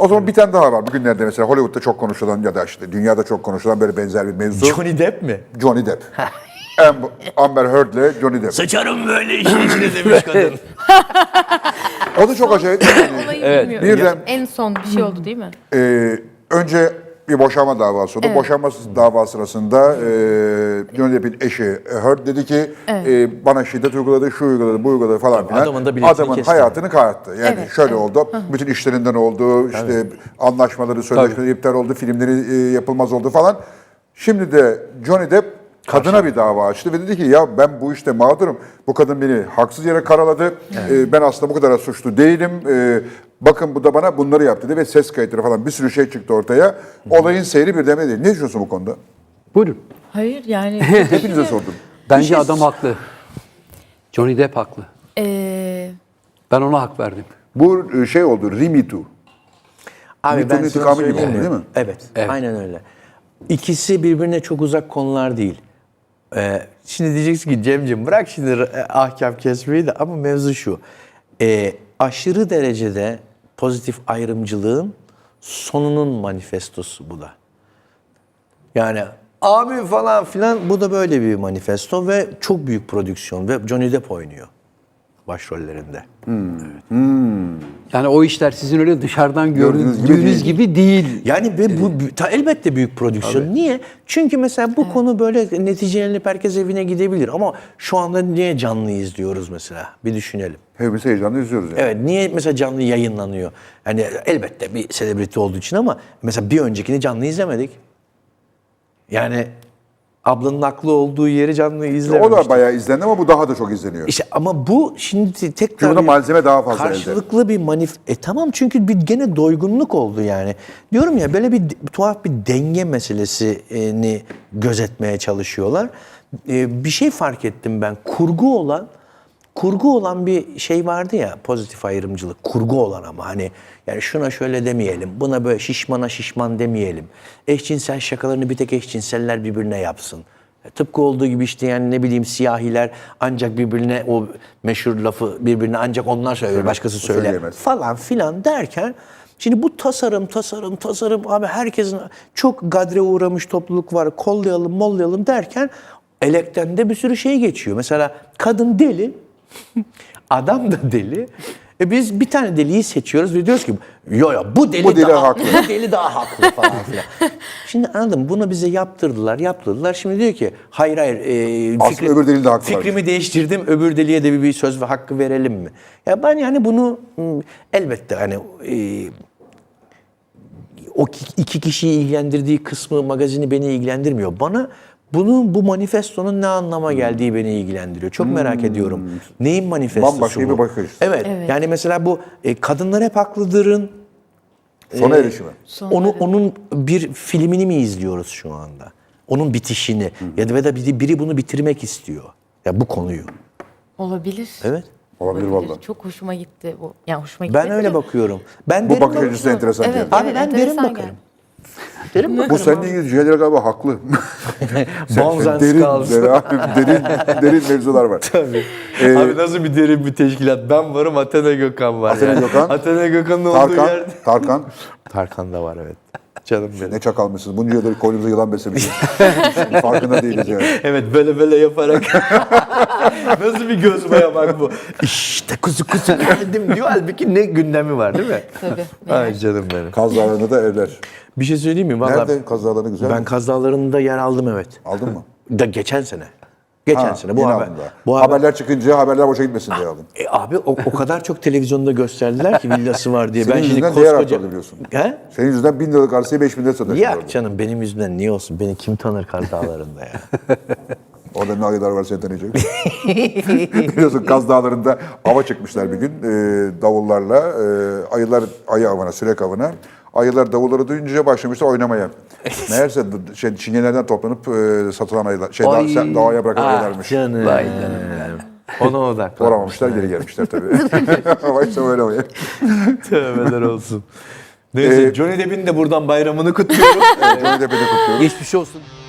O zaman bir tane daha var. Bugünlerde mesela Hollywood'da çok konuşulan ya da işte dünyada çok konuşulan böyle benzer bir mevzu. Johnny Depp mi? Johnny Depp. Amber Heard'le Johnny Depp. Sıçarım böyle işin içine demiş kadın. O da çok acayip. Olayı bilmiyorum. Birden En son bir şey oldu değil mi? önce bir boşanma davası oldu. Evet. Boşanma davası sırasında Johnny Depp'in eşi Heard dedi ki bana şiddet uyguladı, şu uyguladı, bu uyguladı falan filan. Adamın da biletini Adamın kesti. hayatını kararttı. Yani Evet, şöyle evet. oldu. Bütün işlerinden oldu. İşte anlaşmaları, sözleşmeleri iptal oldu. Filmleri yapılmaz oldu falan. Şimdi de Johnny Depp kadına bir dava açtı ve dedi ki ya ben bu işte mağdurum. Bu kadın beni haksız yere karaladı. Ben aslında bu kadar suçlu değilim. Bakın bu da bana bunları yaptı dedi ve ses kayıtları falan bir sürü şey çıktı ortaya. Olayın seyri bir demedi. Ne düşünüyorsun bu konuda? Buyurun. Hayır yani. Hepinize sordum. Bence adam haklı. Johnny Depp haklı. Ben ona hak verdim. Bu şey oldu, Me Too. Abi Newton'un ben sana intikamı gibi söyleyeyim oldu, mi? değil mi? Evet, aynen öyle. İkisi birbirine çok uzak konular değil. Şimdi diyeceksin ki Cemciğim bırak şimdi ahkam kesmeyi de ama mevzu şu. Aşırı derecede pozitif ayrımcılığın sonunun manifestosu bu da. Yani abi falan filan bu da böyle bir manifesto ve çok büyük prodüksiyon ve Johnny Depp oynuyor başrollerinde. Yani o işler sizin öyle dışarıdan Gördüğünüz gördüğünüz gibi gibi değil. Yani ve bu elbette büyük prodüksiyon. Niye? Çünkü mesela bu konu böyle neticelenip herkes evine gidebilir ama şu anda niye canlı izliyoruz mesela? Bir düşünelim. Hepimiz heyecanla izliyoruz yani. Evet, niye mesela canlı yayınlanıyor? Yani elbette bir selebriti olduğu için ama mesela bir öncekini canlı izlemedik. Yani ablanın haklı olduğu yeri canlı izlememiştik. O da bayağı izlendi ama bu daha da çok izleniyor. İşte ama bu şimdi tekrar Çünkü bunda malzeme daha fazla karşılıklı bir tamam çünkü bir gene doygunluk oldu yani. Diyorum ya böyle bir tuhaf bir denge meselesini gözetmeye çalışıyorlar. Bir şey fark ettim ben. Kurgu olan bir şey vardı ya, pozitif ayrımcılık. Kurgu olan ama hani yani şuna şöyle demeyelim, buna böyle şişmana şişman demeyelim. Eşcinsel şakalarını bir tek eşcinseller birbirine yapsın. Tıpkı olduğu gibi işte yani ne bileyim siyahiler ancak birbirine o meşhur lafı birbirine ancak onlar söyler, başkası söyler söyleyemez. falan filan derken şimdi bu tasarım abi herkesin çok gadre uğramış topluluk var, kollayalım derken elekten de bir sürü şey geçiyor. Mesela kadın deli, adam da deli. Biz bir tane deliyi seçiyoruz ve diyoruz ki yo bu deli daha haklı. Bu deli daha haklı falan filan. Şimdi anladım bunu bize yaptırdılar. Şimdi diyor ki hayır Aslında öbür delinin de hakkı var. fikrimi değiştirdim. Öbür deliye de bir söz ve hakkı verelim mi? Ya ben yani bunu elbette hani o iki kişiyi ilgilendirdiği kısmı magazini beni ilgilendirmiyor. Bana bu manifestonun ne anlama geldiği beni ilgilendiriyor. Çok merak ediyorum. Neyin manifestosu Bambaşka bu? bir bakış. Evet. Yani mesela bu kadınlar hep haklıdır'ın Sona erişimi. onun bir filmini mi izliyoruz şu anda? Onun bitişini ya da biri bunu bitirmek istiyor. Ya bu konuyu. Olabilir. Evet. Olabilir vallahi. Çok hoşuma gitti bu. Yani hoşuma gitti. Ben öyle bakıyorum. Ben Bu derin bakış açısı enteresan. Evet, geldi. Abi evet, ben derin enteresan bakarım. geldi. Bu seninle ilgili şeyler galiba haklı. Bonzans derin, kalsın. derin mevzular var. Tabii. Abi nasıl bir derin bir teşkilat? Ben varım, Athena Gökhan var. Athena Gökhan. Athena Gökhan'ın olduğu yerde. Tarkan. Tarkan da var evet. Canım benim. Ne çakalmışsınız. Bunca yıldır koynumuza yılan beslemişiz. Farkında değiliz yani. Evet böyle yaparak. Nasıl bir göz boyamak bu? İşte kuzu geldim diyor. Halbuki ne gündemi var değil mi? Tabii. Ay canım benim. Kaz Dağları'nda da evler. Bir şey söyleyeyim mi? Vallahi Nerede Kaz Dağları'nda güzel ben mi? Kaz Dağları'nda yer aldım evet. Aldın mı? Geçen sene. Geçen sene. Bu yeni haber. aldın daha. Bu haber. Haberler çıkınca haberler boşa gitmesin diye aldın. Abi o kadar çok televizyonda gösterdiler ki villası var diye. Senin Ben şimdi yüzünden değer koskoca... arttırdı biliyorsun. He? Senin yüzünden 1000 liralık arsayı 5000 liraya satıyorsun. Yak canım benim yüzümden niye olsun? Beni kim tanır Kaz Dağları'nda ya? Orada ne ayılar var seni tanıyacak. Biliyorsun Kaz Dağları'nda ava çıkmışlar bir gün davullarla. Ayılar ayı avına, sürek avına. Ayılar davulları duyunca başlamışlar oynamaya. Meğerse çingenelerden toplanıp satılan ayılar, doğaya bırakan ayılarmış. Canım. Vay canım. Ona odaklan. Doğramamışlar, geri gelmişler tabii. Ama işte öyle oluyor. Tövbeler olsun. Neyse Johnny Depp'in de buradan bayramını kutluyorum. Johnny Depp'i de kutluyoruz. Geçmiş olsun.